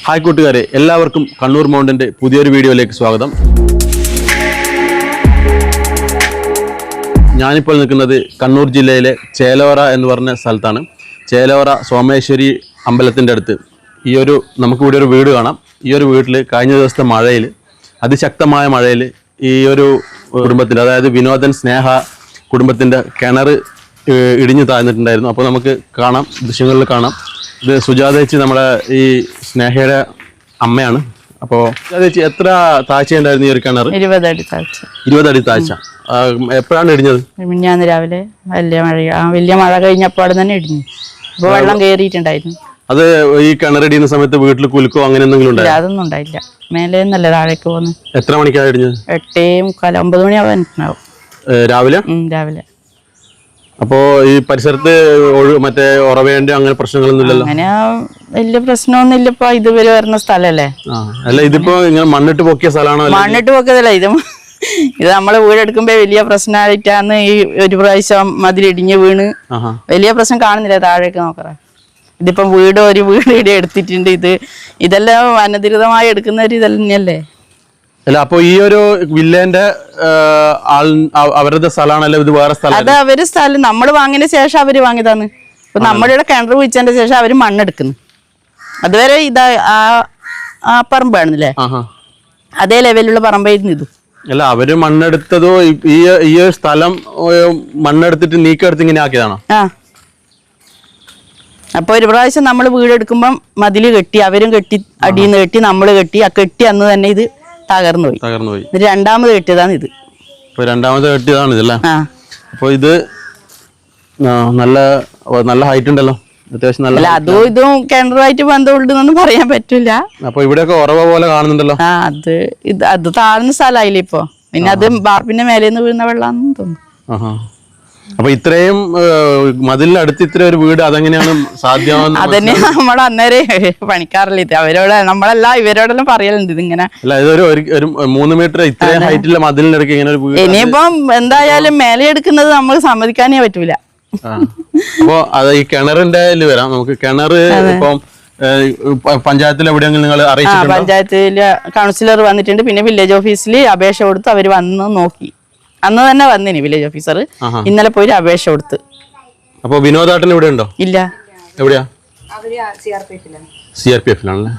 Hi കൂട്ടുകാരെ, എല്ലാവർക്കും കണ്ണൂർ മൗണ്ടിൻ്റെ പുതിയൊരു വീഡിയോയിലേക്ക് സ്വാഗതം. ഞാനിപ്പോൾ നിൽക്കുന്നത് കണ്ണൂർ ജില്ലയിലെ ചേലോറ എന്ന് പറഞ്ഞ സ്ഥലത്താണ്. ചേലോറ സോമേശ്വരി അമ്പലത്തിൻ്റെ അടുത്ത് നമുക്കിവിടെ ഒരു വീട് കാണാം. ഈ ഒരു വീട്ടിൽ കഴിഞ്ഞ ദിവസത്തെ മഴയിൽ, അതിശക്തമായ മഴയിൽ ഈ ഒരു കുടുംബത്തിൻ്റെ, അതായത് വിനോദൻ സ്നേഹ കുടുംബത്തിൻ്റെ കിണർ ഇടിഞ്ഞു താഴ്ന്നിട്ടുണ്ടായിരുന്നു. അപ്പോൾ നമുക്ക് കാണാം, ദൃശ്യങ്ങളിൽ കാണാം. ഇത് സുജാത ചേച്ചി, നമ്മുടെ ഈ സ്നേഹയുടെ അമ്മയാണ്. അപ്പോൾ സുജാത ചേച്ചി, എത്ര താഴ്ചയുണ്ടായിരുന്നു ഈ ഒരു കിണർ? 20 അടി താഴ്ച. 20 അടി താഴ്ച. എപ്പോഴാണ് ഇടിഞ്ഞത്? മിനിഞ്ഞാന്ന് രാവിലെ വലിയ മഴ കഴിഞ്ഞപ്പോൾ അവിടെ തന്നെ ഇടിഞ്ഞു. അപ്പോൾ വെള്ളം കയറിയിട്ടുണ്ടായിരുന്നു. അത് ഈ കിണറിടിയുന്ന സമയത്ത് വീട്ടിൽ കുലുക്കോ അങ്ങനെ എന്തെങ്കിലും ഉണ്ടായി? അതൊന്നും ഉണ്ടായില്ല. മേലെ നിന്നല്ലേ താഴേക്ക് പോകുന്നത്. എത്ര മണിക്കാണ് ഇടിഞ്ഞത്? 8:45 9 മണിയാവാനാവും രാവിലെ. രാവിലെ. അപ്പോ ഈ പരിസരത്ത് മറ്റേ ഉറവേണ്ട അങ്ങനെ പ്രശ്നങ്ങളൊന്നും ഇല്ലല്ലോ? അങ്ങനെ വലിയ പ്രശ്നമൊന്നും ഇല്ല. ഇപ്പൊ ഇതുവരെ വരുന്ന സ്ഥലല്ലേ. അല്ല, ഇതിപ്പോ ഇങ്ങനെ മണ്ണിട്ട് പൊക്കിയ സ്ഥലമാണോ? മണ്ണിട്ട് പൊക്കിയതല്ല, ഇത് നമ്മള് വീടെടുക്കുമ്പോ വലിയ പ്രശ്നമായിട്ടാണ് ഈ ഒരു പ്രാവശ്യം മതിലിടിഞ്ഞ് വീണ് വലിയ പ്രശ്നം കാണുന്നില്ല. താഴേക്ക് നോക്കറ. ഇതിപ്പം ഒരു വീട് ഇവിടെ എടുത്തിട്ടുണ്ട്. ഇതെല്ലാം അനധികൃതമായി എടുക്കുന്ന ഒരു ഇതന്നെയല്ലേ. അല്ല, അപ്പൊ ഈ ഒരു വില്ലേന്റെ അവരുടെ സ്ഥലമാണല്ലോ ഇത്? വേറെ സ്ഥലം? അത് അവര് സ്ഥലം നമ്മൾ വാങ്ങിയതിന് ശേഷം അവര് വാങ്ങിയതാണ്. ഇപ്പൊ നമ്മുടെ ഇവിടെ കിണർ കുഴിച്ചതിന്റെ ശേഷം അവര് മണ്ണെടുക്കുന്നു. അതുവരെ ആ പറമ്പാണെന്നില്ലേ, അതേ ലെവലിലുള്ള പറമ്പായിരുന്നു ഇത്. അല്ല, അവര് മണ്ണെടുത്തതോ ഈ സ്ഥലം മണ്ണെടുത്തിട്ട് നീക്കെടുത്ത് ഇങ്ങനെ ആക്കിയതാണോ? അപ്പൊ ഒരു പ്രാവശ്യം നമ്മൾ വീടെടുക്കുമ്പം മതില് കെട്ടി, അവരും കെട്ടി, അടിയിൽ നിന്ന് കെട്ടി, നമ്മള് കെട്ടി. ആ കെട്ടി അന്ന് തന്നെ ഇത് തകർന്നു പോയി. രണ്ടാമത് കെട്ടിയതാണ് ഇത്. രണ്ടാമത് കെട്ടിയതാണ് ഇതല്ലേ? അപ്പൊ ഇത് നല്ല ഹൈറ്റ് ഉണ്ടല്ലോ, അത്യാവശ്യം നല്ല. അതും ഇതും കിണറുമായിട്ട് ബന്ധമുണ്ടെന്നൊന്നും പറയാൻ പറ്റില്ല. അപ്പൊ ഇവിടെയൊക്കെ ഉറവ പോലെ കാണുന്നുണ്ടല്ലോ. അത് താഴ്ന്ന സ്ഥലമായില്ലേ ഇപ്പൊ. പിന്നെ അത് ബാർപ്പിന്റെ മേലേന്ന് വീഴുന്ന വെള്ളാന്ന് തോന്നുന്നു. അപ്പൊ ഇത്രയും മതിലിനടുത്ത് ഇത്ര ഒരു വീട് അതെങ്ങനെയാണ് സാധ്യമാവുന്നത്? അതന്നെ നമ്മൾ അന്നേരം പണിക്കാറില്ല. നമ്മളല്ല ഇവരോടെല്ലാം പറയലുണ്ട് ഇതിങ്ങനെ. അല്ല, ഇതൊരു 3 മീറ്റർ ഇത്രയും ഹൈറ്റിലെ മതിലിനടുക്ക് ഇങ്ങനെ ഒരു വീട്. ഇനിയിപ്പം എന്തായാലും മേലെ എടുക്കുന്നത് നമ്മൾ സമ്മതിക്കാനേ പറ്റൂല. അപ്പൊ അത് ഈ കിണറിന്റെ വരാം. നമുക്ക് കിണർ ഇപ്പം പഞ്ചായത്തിൽ എവിടെയെങ്കിലും നിങ്ങൾ അറിയിച്ചിട്ടുണ്ടോ? പഞ്ചായത്തില് കൗൺസിലർ വന്നിട്ടുണ്ട്. പിന്നെ വില്ലേജ് ഓഫീസിൽ അപേക്ഷ കൊടുത്ത് അവര് വന്ന് നോക്കി. അന്ന് തന്നെ വന്നിനി വില്ലേജ് ഓഫീസർ. ഇന്നലെ പോയി അപേക്ഷ കൊടുത്ത്. അപ്പൊ വിനോദാട്ടൻ ഇവിടെ ഉണ്ടോ? ഇല്ല. എവിടെയാ? CRPF-ലാണല്ലേ?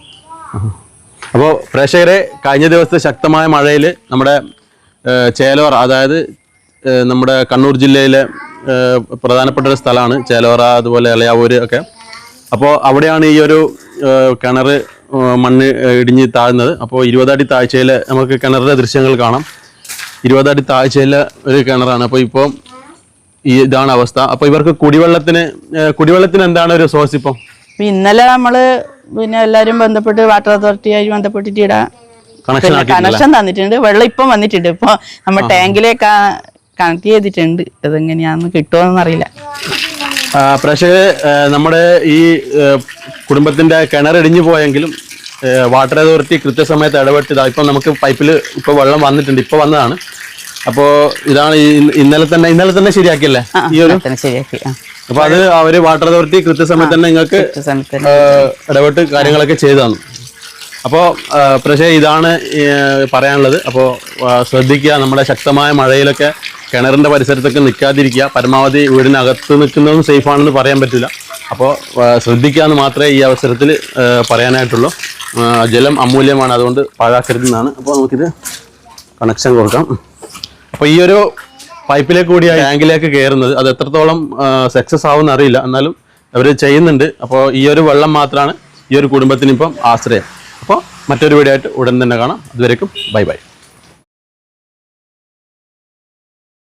അപ്പോ പ്രേക്ഷകരെ, കഴിഞ്ഞ ദിവസത്തെ ശക്തമായ മഴയിൽ നമ്മുടെ ചേലോറ, അതായത് നമ്മുടെ കണ്ണൂർ ജില്ലയിലെ പ്രധാനപ്പെട്ട ഒരു സ്ഥലമാണ് ചേലോറ, അതുപോലെ എളയാവൂര് ഒക്കെ. അപ്പോൾ അവിടെയാണ് ഈ ഒരു കിണർ മണ്ണ് ഇടിഞ്ഞ് താഴ്ന്നത്. അപ്പോൾ 20 അടി താഴ്ചയിൽ നമുക്ക് കിണറിന്റെ ദൃശ്യങ്ങൾ കാണാം. 20 അടി താഴ്ചയിലെ ഒരു കിണറാണ്. അപ്പോൾ ഇപ്പോൾ ഇതാണ് അവസ്ഥ. അപ്പോൾ ഇവർക്ക് കുടിവെള്ളത്തിന് എന്താണ് ഒരു സോഴ്സ് ഇപ്പം? ഇന്നലെ നമ്മള് പിന്നെ എല്ലാരും ബന്ധപ്പെട്ട് വാട്ടർ അതോറിറ്റിയായി ബന്ധപ്പെട്ടിട്ട് കണക്ഷൻ തന്നിട്ടുണ്ട്. വെള്ളം ഇപ്പം വന്നിട്ടുണ്ട്. ഇപ്പൊ നമ്മൾ ടാങ്കിലേക്ക് കണക്ട് ചെയ്തിട്ടുണ്ട്. അതെങ്ങനെയാന്ന് കിട്ടുമോന്നൊന്നും അറിയില്ല. പ്രേക്ഷകരെ, നമ്മുടെ ഈ കുടുംബത്തിന്റെ കിണർ ഇടിഞ്ഞു പോയെങ്കിലും വാട്ടർ അതോറിറ്റി കൃത്യസമയത്ത് ഇടപെട്ടതാണ്. ഇപ്പം നമുക്ക് പൈപ്പിൽ ഇപ്പോൾ വെള്ളം വന്നിട്ടുണ്ട്, ഇപ്പോൾ വന്നതാണ്. അപ്പോൾ ഇതാണ് ഇന്നലെ തന്നെ ശരിയാക്കിയല്ലേ ഈ ഒരു? അപ്പൊ അത് അവര് വാട്ടർ അതോറിറ്റി കൃത്യസമയത്ത് തന്നെ നിങ്ങൾക്ക് ഇടപെട്ട് കാര്യങ്ങളൊക്കെ ചെയ്തു തന്നു. അപ്പോൾ പക്ഷേ ഇതാണ് പറയാനുള്ളത്. അപ്പോൾ ശ്രദ്ധിക്കുക, നമ്മുടെ ശക്തമായ മഴയിലൊക്കെ കിണറിന്റെ പരിസരത്തൊക്കെ നിൽക്കാതിരിക്കുക. പരമാവധി വീടിനകത്ത് നിൽക്കുന്നതും സേഫ് ആണെന്ന് പറയാൻ പറ്റില്ല. അപ്പോൾ ശ്രദ്ധിക്കാമെന്ന് മാത്രമേ ഈ അവസരത്തിൽ പറയാനായിട്ടുള്ളൂ. ജലം അമൂല്യമാണ്, അതുകൊണ്ട് പാഴാക്കരുതെന്നാണ്. അപ്പോൾ നമുക്കിത് കണക്ഷൻ കൊടുക്കാം. അപ്പോൾ ഈ ഒരു പൈപ്പിലേക്ക് കൂടി ടാങ്കിലേക്ക് കയറുന്നത് അത് എത്രത്തോളം സക്സസ് ആവുമെന്ന് അറിയില്ല, എന്നാലും അവർ ചെയ്യുന്നുണ്ട്. അപ്പോൾ ഈ ഒരു വെള്ളം മാത്രമാണ് ഈ ഒരു കുടുംബത്തിനിപ്പം ആശ്രയം. അപ്പോൾ മറ്റൊരു വീഡിയോ ആയിട്ട് ഉടൻ തന്നെ കാണാം. അതുവരേക്കും ബൈ ബൈ.